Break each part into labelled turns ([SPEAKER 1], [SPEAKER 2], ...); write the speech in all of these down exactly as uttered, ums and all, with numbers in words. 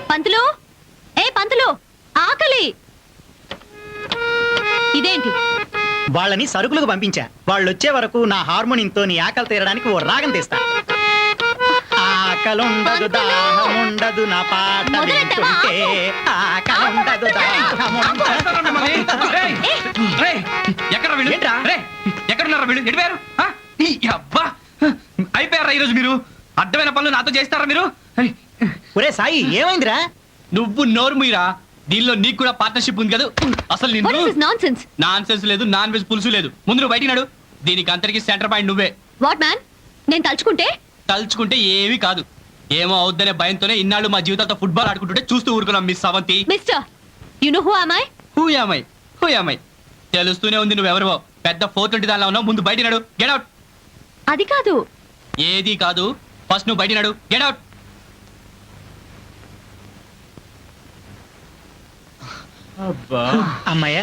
[SPEAKER 1] పంతులు, ఏ పంతులు, ఆకలి. ఇదేంటి?
[SPEAKER 2] వాళ్ళని సరుకులకు పంపించా. వాళ్ళు వచ్చే వరకు నా హార్మోనియంతో నీ ఆకలి తీరడానికి ఓ రాగం తీస్తా. ఆకలుండదు దాహముండదు నా పాట వింటుంటే, ఆకలుండదు
[SPEAKER 3] ఎక్కడున్నారా వీళ్ళు? ఎడిపోయారు? అయిపోయారా ఈరోజు మీరు? అడ్డమైన పనులు నాతో చేస్తారా మీరు?
[SPEAKER 2] ఒరే సాయి, ఏమైందిరా?
[SPEAKER 3] నువ్వు నోరు మీరా, దీనిలో నీకు కూడా పార్ట్నర్షిప్ ఉంది కదా. అసలు నాన్ సెన్స్ లేదు, నాన్ వెజ్ పులుసు లేదు. ముందు నువ్వు బయటికి నాడు. దీనికి అంతరికి సెంటర్ పాయింట్ నువ్వే.
[SPEAKER 1] What man? నేను తలుచుకుంటే
[SPEAKER 3] తలుచుకుంటే ఏమీ కాదు. ఏమో అవుద్దనే భయంతోనే ఇన్నాళ్ళు మా జీవితాలతో ఫుట్బాల్ ఆడుకుంటుంటే చూస్తూ ఊరుకున్నాం. Miss Avanthi.
[SPEAKER 1] Mister, you know who am I?
[SPEAKER 3] Who am I? Who am I? తెలుస్తూనే ఉంది నువ్వెవరో. పెద్ద ఫోర్ ట్వంటీ దానిలో ఉన్నావు. ముందు బయటికి నాడు. Get out.
[SPEAKER 1] అది కాదు.
[SPEAKER 3] ఏది కాదు. ఫస్ట్ నువ్వు బయటికి నాడు. Get out.
[SPEAKER 2] అమ్మాయ్యా,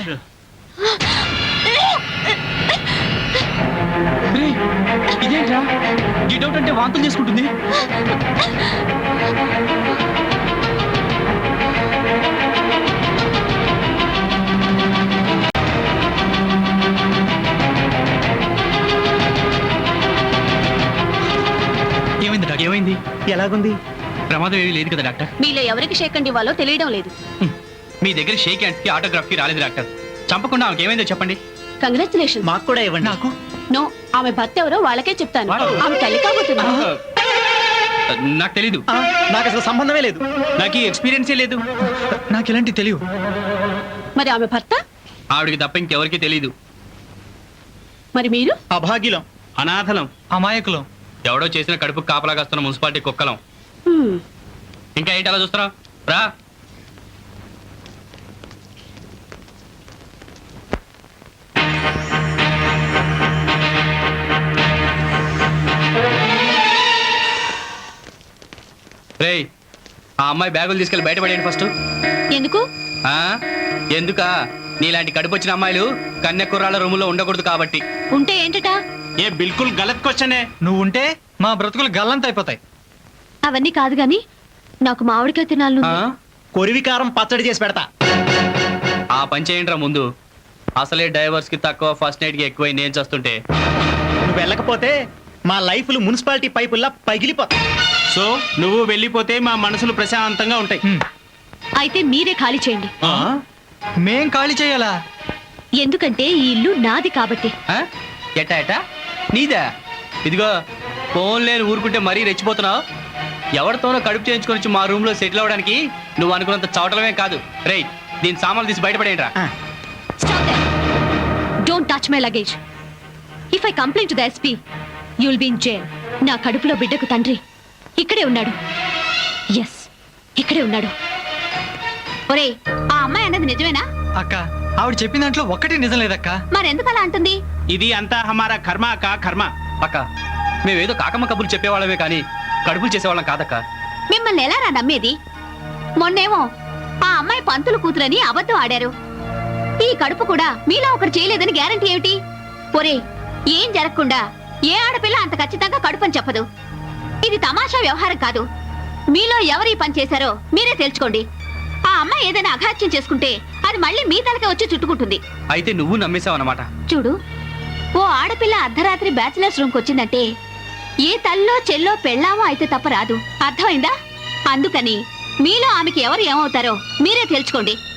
[SPEAKER 3] ఇదేంట్రా? గెట్ అవుట్ అంటే వాంతులు చేసుకుంటుంది. ఏమైంది డాక్టర్? ఏమైంది?
[SPEAKER 2] ఎలాగుంది?
[SPEAKER 3] ప్రమాదం ఏమీ లేదు కదా డాక్టర్?
[SPEAKER 1] మీలో ఎవరికి షేక్ అండ్ ఇవ్వాలో తెలియడం లేదు.
[SPEAKER 3] మీ దగ్గర షేక్ హ్యాండ్స్ కి ఆటోగ్రాఫ్ కి రాలేదు డాక్టర్. చంపకుండా ఆమెకి ఏమైందో చెప్పండి.
[SPEAKER 1] కంగ్రాచులేషన్.
[SPEAKER 2] మాకు కూడా ఇవ్వండి.
[SPEAKER 3] నాకు
[SPEAKER 1] నో, ఆమె భర్త ఎవరో వాళ్ళకే చెప్తాను. ఆమె తల్లి కాబోతుంది.
[SPEAKER 3] నాకు తెలీదు.
[SPEAKER 2] నాకు అసలు సంబంధమే లేదు.
[SPEAKER 3] నాకు ఈ ఎక్స్పీరియన్సే లేదు. నాకు ఎలాంటి తెలియదు.
[SPEAKER 1] మరి ఆమె భర్త?
[SPEAKER 3] ఆవిడికి తప్ప ఇంకెవరికి తెలీదు.
[SPEAKER 1] మరి మీరు?
[SPEAKER 2] అభాగ్యులం,
[SPEAKER 3] అనాథలం, అమాయకులం, ఎవడో చేసిన కడుపు కాపలాగాస్తున్న మున్సిపాలిటీ కుక్కలం. ఇంకా ఏంటి అలా చూస్తున్నావు? రా. రేయ్, ఆ అమ్మాయి బ్యాగులు తీసుకెళ్ళి బయటపడేయండి ఫస్ట్.
[SPEAKER 1] ఎందుకు?
[SPEAKER 3] ఆ ఎందుకా? నీలాంటి కడుపు వచ్చిన అమ్మాయిలు కన్య కుర్రాళ్ళ రూములో ఉండకూడదు కాబట్టి.
[SPEAKER 1] ఉంటే ఏంటట?
[SPEAKER 3] ఏ బిల్కుల్ గలత్ క్వశ్చనే. నువ్వు ఉంటే మా బ్రతుకులు గల్లంత అయిపోతాయి.
[SPEAKER 1] అవన్నీ కాదు గాని నాకు మామిడికాయ తినాలను.
[SPEAKER 2] కొరివికారం పచ్చడి చేసి పెడతా.
[SPEAKER 3] ఆ పని చేయండిరా ముందు. అసలే డైవర్స్ కి తక్కువ, ఫస్ట్ నైట్ కి ఎక్కువ నేను చేస్తుంటే.
[SPEAKER 2] నువ్వు వెళ్ళకపోతే మా లైఫ్లు మున్సిపాలిటీ పైపుల్లా పగిలిపోతాయి.
[SPEAKER 3] సో నువ్వు వెళ్ళిపోతే మా మనసులు ప్రశాంతంగా ఉంటాయి.
[SPEAKER 1] అయితే మీరే ఖాళీ చేయండి.
[SPEAKER 3] మేం ఖాళీ చేయాలా?
[SPEAKER 1] ఎందుకంటే ఈ ఇల్లు నాది కాబట్టి.
[SPEAKER 3] ఎట్టా ఎట్టా నీదా? ఇదిగో ఫోన్ లేని ఊరుకుంటే మరీ రెచ్చిపోతున్నావు. ఎవరితోనో కడుపు చేయించుకొని వచ్చి మా రూమ్ లో సెటిల్ అవ్వడానికి నువ్వు అనుకున్నంత చవటలమే కాదు. రేయ్, దీని సామాన్లు తీసి బయటపడేయండి రా.
[SPEAKER 1] Don't touch my luggage. If I complaint to the SP you will be in jail. నా కడుపులో బిడ్డకు తండ్రి ఇక్కడే ఉన్నాడు. ఎస్, ఇక్కడే ఉన్నాడు. ఒరేయ్, ఆ అమ్మాయి అన్నది నిజమేనా?
[SPEAKER 4] అక్క, ఆవిడ చెప్పిన దాంట్లో ఒక్కటి నిజం లేదక్క.
[SPEAKER 1] మరెందుకు అలా అంటుంది?
[SPEAKER 3] ఇది అంతా హమారా కర్మ అక్క, కర్మ. అక్క, మేమేదో కాకమ్మ కబుర్లు చెప్పేవాళ్ళమే కానీ కడుపులు చేసేవాళ్ళం కాదక్క.
[SPEAKER 1] మిమ్మల్ని ఎలా రా నమ్మేది? మొన్నేమో ఆ అమ్మాయి పంతులు కూతురని అబద్ధం ఆడారు. ఈ కడుపు కూడా మీలో ఒకరు చేయలేదని గ్యారంటీ ఏమిటి? ఒరేయ్, ఏం జరగకుండా ఏ ఆడపిల్ల అంత ఖచ్చితంగా కడుపని చెప్పదు. ఇది తమాషా వ్యవహారం కాదు. మీలో ఎవరు ఈ పని చేశారో మీరే తెలుసుకోండి. ఆ అమ్మాయి ఏదైనా అఘాత్యం చేసుకుంటే అది మళ్ళీ మీ తలకే వచ్చి చుట్టుకుంటుంది.
[SPEAKER 3] అయితే నువ్వు నమ్మేశావు అన్నమాట.
[SPEAKER 1] చూడు, ఓ ఆడపిల్ల అర్ధరాత్రి బ్యాచిలర్స్ రూమ్ కి వచ్చిందంటే ఏ తల్లో చెల్లో పెళ్ళామో అయితే తప్ప రాదు. అర్థమైందా? అందుకని మీలో ఆమెకి ఎవరు ఏమవుతారో మీరే తెలుసుకోండి.